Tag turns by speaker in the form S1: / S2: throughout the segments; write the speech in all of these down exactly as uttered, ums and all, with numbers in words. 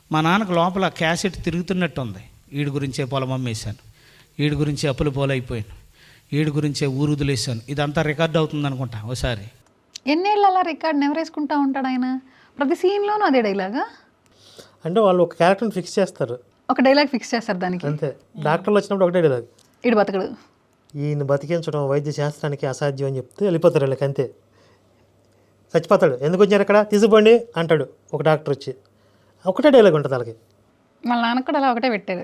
S1: మా నాన్నకు లోపల క్యాసెట్ తిరుగుతున్నట్టు ఉంది. వీడి గురించే పొలం అమ్మేశాను, వీడి గురించే అప్పులు పోలైపోయాను, వీడి గురించే ఊరు వదిలేశాను, ఇదంతా రికార్డ్ అవుతుంది అనుకుంటా ఒకసారి.
S2: ఎన్నేళ్ళు అలా రికార్డ్ నెవరు వేసుకుంటా ఉంటాడు ఆయన? ప్రతి సీన్లోనూ అదే డైలాగా?
S3: అంటే వాళ్ళు ఒక క్యారెక్టర్ని ఫిక్స్ చేస్తారు,
S2: ఒక డైలాగ్ ఫిక్స్ చేస్తారు దానికి.
S3: అంతే. డాక్టర్లు వచ్చినప్పుడు ఒకటే డైలాగ్,
S2: ఇడు బతకడు,
S3: ఈయన బతికించడం వైద్య శాస్త్రానికి అసాధ్యం అని చెప్తే వెళ్ళిపోతారు వీళ్ళకి, అంతే. చచ్చిపోతాడు, ఎందుకు వచ్చారు ఇక్కడ తీసుకోండి అంటాడు ఒక డాక్టర్ వచ్చి, ఒకటే డైలాగ్ ఉంటుంది వాళ్ళకి.
S2: వాళ్ళ నాన్నకు కూడా అలా ఒకటే పెట్టారు.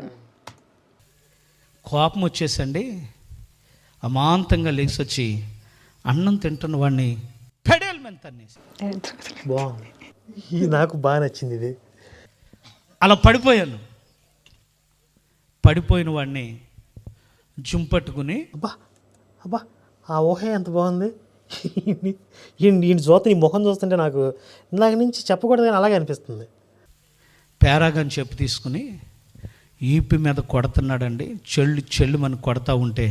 S1: కోపం వచ్చేసండి అమాంతంగా లేచి వచ్చి అన్నం తింటున్న వాడిని పెడేలు మీద తన్నేసి.
S3: బాగుంది, ఇది నాకు బాగా నచ్చింది ఇది.
S1: అలా పడిపోయాను. పడిపోయిన వాడిని జుంపట్టుకుని,
S3: అబ్బా అబ్బా ఆ ఊహే ఎంత బాగుంది. ఈయన చూస్తే ఈ ముఖం చూస్తుంటే నాకు ఇందాక నుంచి చెప్పకూడదు కానీ అలాగే అనిపిస్తుంది.
S1: పేరాగని చెప్పు తీసుకుని ఈపి మీద కొడుతున్నాడండి. చెల్లు చెల్లు మనకు కొడతా ఉంటే,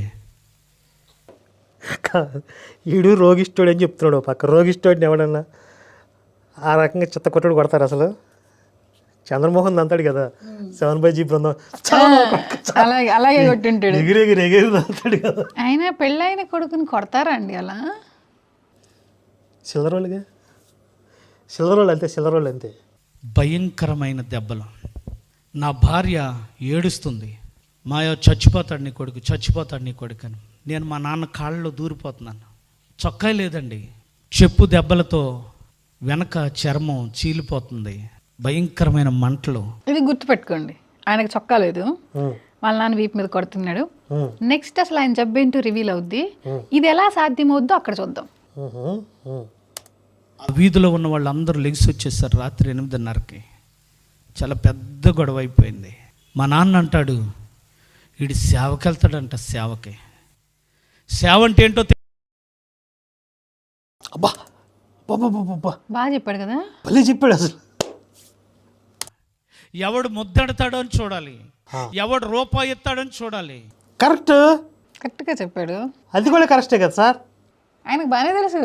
S3: ఈడు రోగిష్ఠుడు అని చెప్తున్నాడు పక్క. రోగిష్ఠుడిని ఎవడన్నా ఆ రకంగా చిత్త కొట్టుడు కొడతారు అసలు? చంద్రమోహన్ అంతాడు కదా సెవెన్ బై జీ బృందం,
S2: అలాగే అలాగే కొట్టుంటాడు,
S3: ఎగిరెగిరి ఎగిరి అంతాడు కదా.
S2: ఆయన పెళ్ళైన కొడుకుని కొడతారా అండి అలా?
S3: సిల్లర్ వాళ్ళుగా, సిల్లర్ వాళ్ళు అంతే, సిల్లర్ వాళ్ళు అంతే.
S1: భయంకరమైన దెబ్బలు. నా భార్య ఏడుస్తుంది, మాయో చచ్చిపోతాడు నీ కొడుకు, చచ్చిపోతాడు నీ కొడుకు అని. నేను మా నాన్న కాళ్ళలో దూరిపోతున్నాను. చొక్కా లేదండి, చెప్పు దెబ్బలతో వెనక చర్మం చీలిపోతుంది, భయంకరమైన మంటలు.
S2: ఇది గుర్తుపెట్టుకోండి, ఆయనకు చొక్కా లేదు, వాళ్ళ నాన్న వీపు మీద కొడుతున్నాడు. నెక్స్ట్ అసలు ఆయన జబ్బేంటో రివీల్ అవుద్ది. ఇది ఎలా సాధ్యమవుద్దో అక్కడ చూద్దాం.
S1: ఆ వీధిలో ఉన్న వాళ్ళందరూ లెగిసి వచ్చేసారు రాత్రి ఎనిమిదిన్నరకి. చాలా పెద్ద గొడవ అయిపోయింది. మా నాన్న అంటాడు, వీడి సేవకి వెళ్తాడంట. సేవకి సేవ అంటే ఏంటో
S3: అబ్బా బాబా
S2: బాగా చెప్పాడు కదా,
S3: భలే చెప్పాడు అసలు.
S1: ఎవడు ముద్దెడతాడో అని చూడాలి, ఎవడు రూపాయి ఎత్తాడని చూడాలి.
S3: కరెక్ట్,
S2: కరెక్ట్గా చెప్పాడు.
S3: అది కూడా కరెక్టే కదా సార్,
S2: ఆయనకు బాగానే తెలుసు.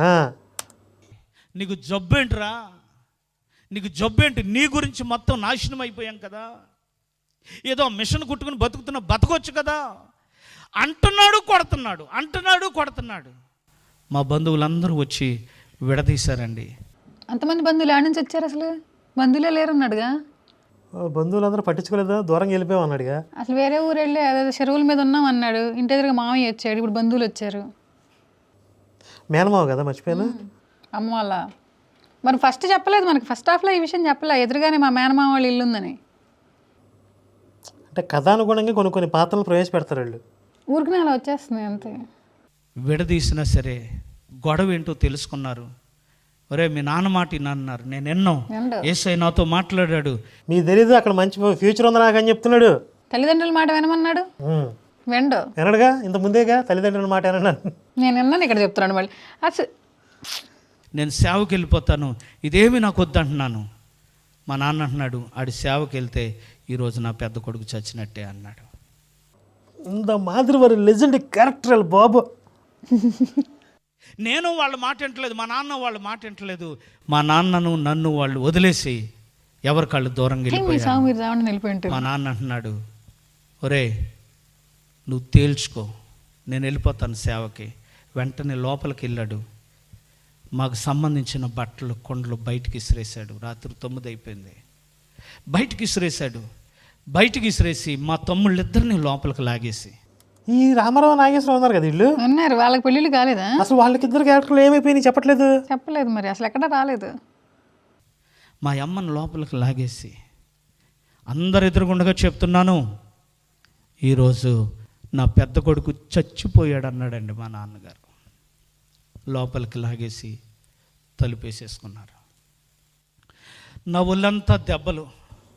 S1: నీకు జబ్బేంట్రా, నీకు జబ్బేంటి, నీ గురించి మొత్తం నాశనం అయిపోయాం కదా, ఏదో మిషన్ కుట్టుకుని బతుకుతున్న బతకొచ్చు కదా అంటున్నాడు, కొడుతున్నాడు, అంటున్నాడు, కొడుతున్నాడు. మా బంధువులందరూ వచ్చి విడదీశారండి.
S2: అంతమంది బంధువులు ఆడ నుంచి వచ్చారు? అసలు బంధువులే లేరన్నాడుగా.
S3: బంధువులందరూ పట్టించుకోలేదా, దూరంగా వెళ్ళిపోయాం అన్నాడుగా.
S2: అసలు వేరే ఊరు వెళ్ళి అదే చెరువుల మీద ఉన్నాం అన్నాడు. ఇంటి ఎదురుగా మామయ్య వచ్చాడు, ఇప్పుడు బంధువులు వచ్చారు.
S3: మేనమావ కదా, మర్చిపోయాను.
S2: అమ్మ వాళ్ళ మరి ఫస్ట్ చెప్పలేదు మనకి, ఫస్ట్ హాఫ్లో ఈ విషయం చెప్పలే, ఎదురుగానే మా మేనమామ వాళ్ళ ఇల్లు ఉందని.
S3: అంటే కథానుగుణంగా కొన్ని కొన్ని పాత్రలు ప్రవేశపెడతారు వాళ్ళు,
S2: ఊరికి అలా వచ్చేస్తుంది అంతే.
S1: విడదీసినా సరే గొడవ ఏంటో తెలుసుకున్నారు. ఒరే మీ నాన్న మాట విన్నారు, నేను ఎన్నో యేసయ్య నాతో మాట్లాడాడు.
S3: మీకు తెలీదు అక్కడ మంచి ఫ్యూచర్ ఉంది నాకు అని చెప్తున్నాడు.
S2: తల్లిదండ్రుల మాట వినమన్నాడు, వెండు
S3: వినడుగా, ఇంత ముందేగా తల్లిదండ్రుల మాట వినన్నాను.
S2: నేను విన్నాను, ఇక్కడ చెప్తున్నాడు మళ్ళీ. అసలు
S1: నేను సేవకి వెళ్ళిపోతాను, ఇదేమి నాకు వద్దంటున్నాను. మా నాన్న అంటున్నాడు, ఆడి సేవకి వెళ్తే ఈరోజు నా పెద్ద కొడుకు చచ్చినట్టే అన్నాడు.
S3: ఇంత మాదిరి వారి లెజెండ్ క్యారెక్టర్ బాబు.
S1: నేను వాళ్ళ మాట వింటలేదు, మా నాన్న వాళ్ళ మాట వింటలేదు. మా నాన్నను నన్ను వాళ్ళు వదిలేసి ఎవరి కాళ్ళు దూరంగా వెళ్ళిపోయారు. మా నాన్న అంటున్నాడు, ఒరే నువ్వు తేల్చుకో, నేను వెళ్ళిపోతాను సేవకి. వెంటనే లోపలికి వెళ్ళాడు, మాకు సంబంధించిన బట్టలు కొండలు బయటికి ఇసిరేశాడు. రాత్రి తొమ్మిది అయిపోయింది, బయటికి ఇసిరేశాడు. బయటికి ఇసిరేసి మా తమ్ముళ్ళిద్దరిని లోపలికి లాగేసి,
S3: ఈ రామారావు నాగేశ్వరం ఉన్నారు కదా వీళ్ళు
S2: ఉన్నారు, వాళ్ళకి పెళ్ళిళ్ళు కాలేదా?
S3: అసలు వాళ్ళకిద్దరు క్యారెక్టర్లు ఏమైపోయినాయి చెప్పట్లేదు,
S2: చెప్పలేదు మరి, అసలు ఎక్కడ రాలేదు.
S1: మా అమ్మని లోపలికి లాగేసి, అందరు ఎదురుగుండగా చెప్తున్నాను, ఈరోజు నా పెద్ద కొడుకు చచ్చిపోయాడు అన్నాడండి మా నాన్నగారు. లోపలికి లాగేసి తలుపేసేసుకున్నారు. నా ఒళ్ళంతా దెబ్బలు,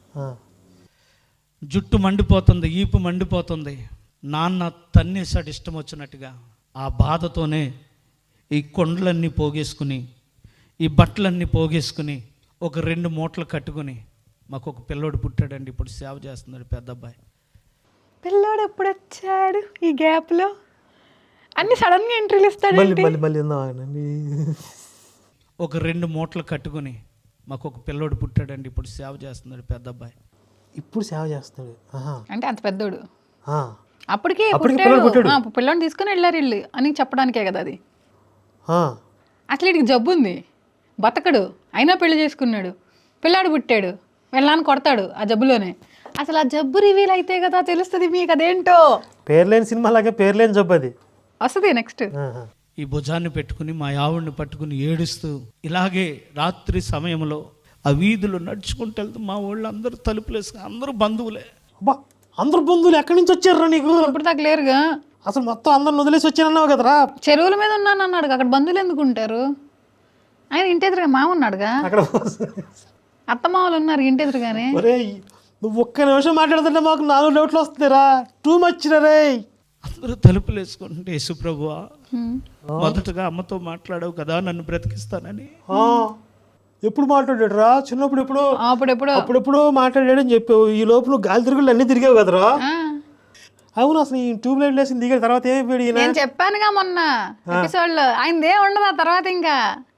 S1: జుట్టు మండిపోతుంది, ఈపు మండిపోతుంది. నాన్న తన్నేసాడు ఇష్టం వచ్చినట్టుగా. ఆ బాధతోనే ఈ కొండలన్నీ పోగేసుకుని, ఈ బట్టలన్నీ పోగేసుకుని, ఒక రెండు మూటలు కట్టుకుని, మాకు ఒక పిల్లోడు పుట్టాడండి, ఇప్పుడు సేవ చేస్తున్నాడు పెద్ద అబ్బాయి.
S2: పిల్లోడు ఎప్పుడు వచ్చాడు ఈ గ్యాప్లో? అన్ని సడన్గా ఎంట్రీలు ఇస్తాడు.
S3: మళ్ళీ మళ్ళీ మళ్ళీ ఉందామండి.
S1: ఒక రెండు మూటలు కట్టుకుని మాకు ఒక పిల్లోడు పుట్టాడండి, ఇప్పుడు సేవ చేస్తున్నాడు పెద్ద అబ్బాయి.
S3: ఇప్పుడు సేవ చేస్తున్నాడు. ఆహా.
S2: అంటే అంత పెద్దోడు
S3: ఆ.
S2: అప్పటికే
S3: అప్పటికి
S2: పుట్టాడు.
S3: పిల్లోడు పుట్టాడు.
S2: ఆ, పిల్లోని తీసుకుని వెళ్ళారు వీళ్ళు అని చెప్పడానికే కదా అది.
S3: ఆ.
S2: అసలు వీడికి జబ్బు ఉంది, బతకడు, అయినా పెళ్లి చేసుకున్నాడు, పిల్లాడు పుట్టాడు, వెళ్ళాలని కొడతాడు ఆ జబ్బులోనే. అసలు ఆ జబ్బు రివీల్ అయితే కదా తెలుస్తుంది మీకు అదేంటో.
S3: పేర్లేని సినిమా లాగే పేర్లేని జబ్బు అది.
S2: వస్తుంది నెక్స్ట్.
S3: ఆహా.
S1: ఈ భుజాన్ని పెట్టుకుని మా ఆవిడ్ని పట్టుకుని ఏడుస్తూ ఇలాగే రాత్రి సమయంలో ఆ వీధులు నడుచుకుంటూ వెళ్తూ మా వాళ్ళు అందరూ తలుపులు వేసుకుని, అందరూ బంధువులే.
S3: అబ్బా, అందరు బంధువులు ఎక్కడి నుంచి వచ్చారా నీకు?
S2: ఇప్పుడు దాకా లేరుగా.
S3: అసలు మొత్తం అందరిని వదిలేసి వచ్చానన్నావు కదరా.
S2: చెరువుల మీద ఉన్నాను అన్నాడు, అక్కడ బంధువులు ఎందుకు ఉంటారు? ఆయన ఇంటి ఎదురుగా మామ ఉన్నాడుగా,
S3: అక్కడ
S2: అత్తమామలు ఉన్నారు ఇంటి ఎదురుగానే.
S3: ఒరేయ్, నువ్వు ఒక్క నిమిషం మాట్లాడుతుంటే మాకు నాలుగు డౌట్లు వస్తుందిరా. టూ మచ్ రే.
S1: అందరూ తలుపులు వేసుకుంటే, యేసుప్రభువా మొదటగా అమ్మతో మాట్లాడావు కదా నన్ను బ్రతికిస్తానని.
S3: ఆ, ఎప్పుడు మాట్లాడాడు రా? చిన్నప్పుడు ఎప్పుడు
S2: అప్పుడెప్పుడు
S3: అప్పుడెప్పుడు మాట్లాడాడని చెప్పావు. ఈ లోపు నువ్వు గాలి తిరుగులు అన్ని తిరిగావు కదరా. అవును, అసలు ఈ ట్యూబ్ లైట్ లేసి దిగిన తర్వాత ఏమైపోయాడు ఈయన?
S2: నేను చెప్పానుగా మొన్న ఎపిసోడ్ లో, ఆయనదే ఉండదు ఆ తర్వాత. ఇంకా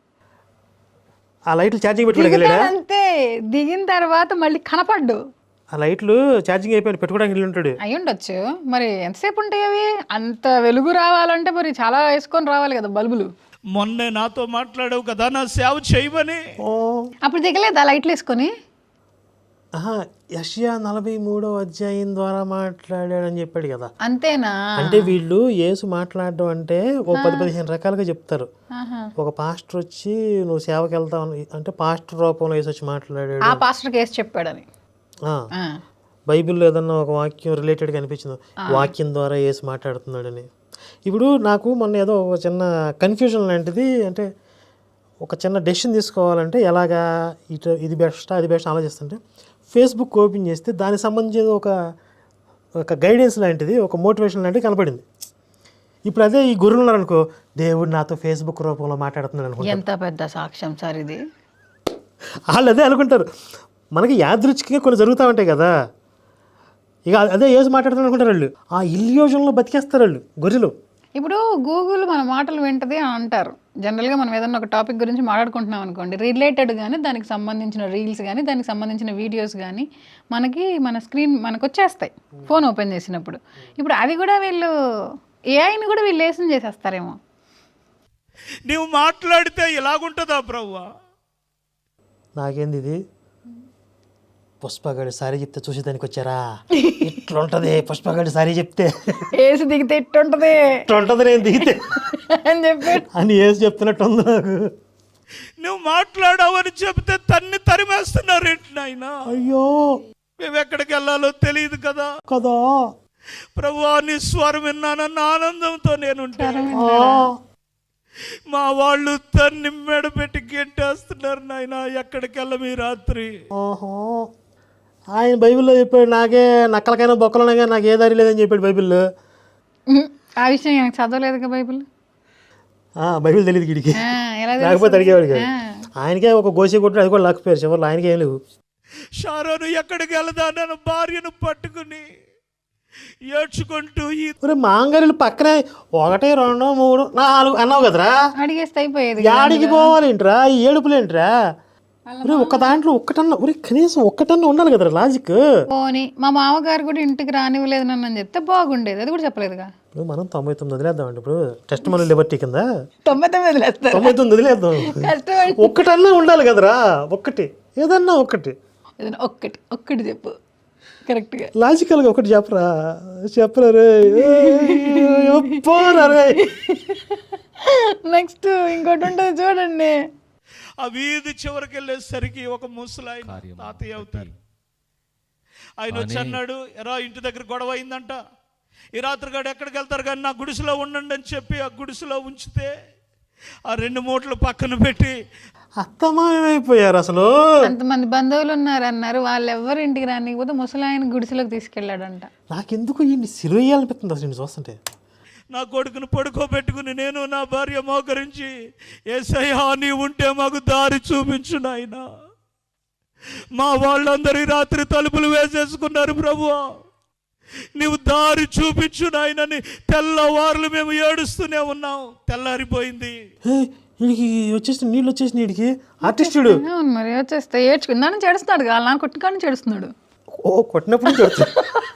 S3: ఆ లైట్లు ఛార్జింగ్ పెట్టుకోవడానికి వెళ్ళాడా?
S2: అంతే, దిగిన తర్వాత మళ్ళీ కనపడ్డు.
S3: ఆ లైట్లు ఛార్జింగ్ అయిపోయి పెట్టుకోవడానికి వెళ్ళి ఉంటాడు.
S2: అయి ఉండొచ్చు మరి. ఎంతసేపు ఉంటాయి అవి? అంత వెలుగు రావాలంటే మరి చాలా వేసుకొని రావాలి కదా బల్బులు.
S1: మొన్నే నాతో మాట్లాడావు కదా నా సేవ చేయమని.
S2: అప్పుడు దిగలేదు ఆ లైట్లు వేసుకొని.
S3: ఆహా, యెషయా నలభై మూడో అధ్యాయం ద్వారా మాట్లాడాడని చెప్పాడు కదా.
S2: అంతేనా?
S3: అంటే వీళ్ళు యేసు మాట్లాడడం అంటే ఒక పది పదిహేను రకాలుగా చెప్తారు. ఒక పాస్టర్ వచ్చి నువ్వు సేవకి వెళ్తావు అంటే పాస్టర్ రూపంలో యేసు వచ్చి మాట్లాడాడు.
S2: ఆ పాస్టర్ కేసు చెప్పాడని.
S3: బైబిల్లో ఏదన్నా ఒక వాక్యం రిలేటెడ్గా అనిపించింది, వాక్యం ద్వారా యేసు మాట్లాడుతున్నాడని. ఇప్పుడు నాకు మొన్న ఏదో ఒక చిన్న కన్ఫ్యూజన్ లాంటిది, అంటే ఒక చిన్న డెసిషన్ తీసుకోవాలంటే ఎలాగా ఇటు ఇది బెస్ట్ అది బెస్ట్ ఆలోచిస్తుంటే ఫేస్బుక్ ఓపెన్ చేస్తే దానికి సంబంధించిన ఒక ఒక గైడెన్స్ లాంటిది, ఒక మోటివేషన్ లాంటిది కనపడింది. ఇప్పుడు అదే ఈ గురువులు ఉన్నారనుకో, దేవుడు నాతో ఫేస్బుక్ రూపంలో మాట్లాడుతున్నాడు అనుకో.
S2: ఎంత పెద్ద సాక్ష్యం సార్ ఇది.
S3: వాళ్ళు అదే అనుకుంటారు. మనకి యాదృచ్ఛికంగా కొన్ని జరుగుతూ ఉంటాయి కదా, ఇక అదే ఏజ్ మాట్లాడుతున్నారు అనుకుంటారు వాళ్ళు. ఆ ఇల్యూజన్లో బతికేస్తారు వాళ్ళు గొర్రెలు.
S2: ఇప్పుడు గూగుల్ మన మాటలు వింటది అని అంటారు. జనరల్గా మనం ఏదన్నా ఒక టాపిక్ గురించి మాట్లాడుకుంటున్నాం అనుకోండి, రిలేటెడ్ కానీ దానికి సంబంధించిన రీల్స్ కానీ దానికి సంబంధించిన వీడియోస్ కానీ మనకి మన స్క్రీన్ మనకు వచ్చేస్తాయి ఫోన్ ఓపెన్ చేసినప్పుడు. ఇప్పుడు అది కూడా వీళ్ళు ఏఐని కూడా వీళ్ళు లేసం చేసేస్తారేమో.
S1: నువ్వు మాట్లాడితే ఇలాగుంటుందా ప్రభువా?
S3: నాకేంది ఇది, పుష్పగాడి సారీ చెప్తే చూసేదానికి వచ్చారా? ఇట్లుంటది పుష్పగాడి సారీ చెప్తే,
S2: ఏసి దిగితే ఇట్టుంటది
S3: ఇట్లుంటది నేను దిగితే
S2: అని చెప్పి
S3: అని ఏసి చెప్తున్నట్టు ఉంది నాకు.
S1: నువ్వు మాట్లాడావని చెప్తే తన్ని తరిమేస్తున్నారు ఏంటి నాయనా?
S3: అయ్యో,
S1: మేము ఎక్కడికి వెళ్ళాలో తెలియదు కదా
S3: కదా.
S1: ప్రభువా నీ స్వరం విన్నానన్న ఆనందంతో నేను మా వాళ్ళు తన్ని మెడ పెట్టి గెంటేస్తున్నారు నాయన. ఎక్కడికి వెళ్ళమి రాత్రి.
S3: ఆయన బైబిల్లో చెప్పాడు, నాకే నక్కలకైనా బొక్కలనగా నాకు ఏ దారి లేదని చెప్పాడు బైబిల్లో.
S2: ఆ విషయం నాకు చదవలేదుగా బైబిల్.
S3: బైబిల్ తెలియదు గిడికి, లేకపోతే అడిగేవాడు కాదు. ఆయనకే ఒక గోసి కొట్టు, అది కూడా లేకపోయారు చివరిలో. ఆయనకి ఏం లేవు.
S1: షారోను ఎక్కడికి వెళ్దా నన్ను భార్యను పట్టుకుని ఏడ్చుకుంటూ
S3: మాంగారీలు పక్కనే ఒకటి రెండు మూడు నాలుగు అన్నావు కదరా,
S2: అడిగేస్తే అయిపోయేది.
S3: యాడికి పోవాలేంట్రా ఈ ఏడుపులేంట్రా? ఒక్క దాంట్లో ఒక్కటన్నా ఒరే కనీసం ఒక్కటన్నా ఉండాలి కదరా లాజిక్.
S2: పోనీ మా మామగారు కూడా ఇంటికి రానివ్వలేదు నన్ను అని చెప్తే బాగుండేది, అది కూడా చెప్పలేదుగా.
S3: ఇప్పుడు మనం తొంభై తొమ్మిది వదిలేద్దామండి. ఇప్పుడు టెస్ట్ మన లిబర్టీ కింద
S2: తొంభై తొమ్మిది వదిలేస్తారు,
S3: తొంభై తొమ్మిది వదిలేద్దాం. ఒక్కటన్నా ఉండాలి కదరా, ఒక్కటి ఏదన్నా ఒక్కటి
S2: ఒక్కటి ఒక్కటి చెప్పు కరెక్ట్గా
S3: లాజికల్గా ఒకటి చెప్పరా. చెప్పరా రే,
S2: నెక్స్ట్ ఇంకోటి ఉంటుంది చూడండి.
S1: ఆ వీధి చివరికి వెళ్ళేసరికి ఒక ముసలాయన తాతయ్య అవుతారు. ఆయన వచ్చి అన్నాడు, ఎరా ఇంటి దగ్గర గొడవ అయిందంట, ఈ రాత్రి గాడు ఎక్కడికి వెళ్తారు కానీ నా గుడిసెలో ఉండండి అని చెప్పి ఆ గుడిసెలో ఉంచితే ఆ రెండు మూటలు పక్కన పెట్టి
S3: అత్తమాయమైపోయారు. అసలు
S2: అంతమంది బంధువులు ఉన్నారు అన్నారు, వాళ్ళు ఎవరు ఇంటికి రానికపోతే ముసలాయన గుడిసెలోకి తీసుకెళ్ళాడంట.
S3: నాకెందుకు ఈ సిరుయ్యాలనిపిస్తుంది అసలు చూస్తుంటే.
S1: నా కొడుకును పడుకోబెట్టుకుని నేను నా భార్య మోకరించి, యేసయ్యా నీ ఉంటే మాకు దారి చూపించు నాయనా. మా వాళ్ళందరూ రాత్రి తలుపులు వేసేసుకున్నారు ప్రభువా, నీవు దారి చూపించు నాయనని తెల్లవారులు మేము ఏడుస్తూనే ఉన్నాం. తెల్లారిపోయింది.
S3: వీడికి వచ్చేసి నీళ్ళు వచ్చేసి వీడికి ఆర్టిస్టుడు
S2: అవును మరి వచ్చేస్తే ఏడ్చుకుందాని చేడుస్తున్నాడు వాళ్ళ నాన్న కొట్టుకాడిని చేడుస్తున్నాడు
S3: ఓ కొట్టినప్పుడు నుంచి వస్తుంది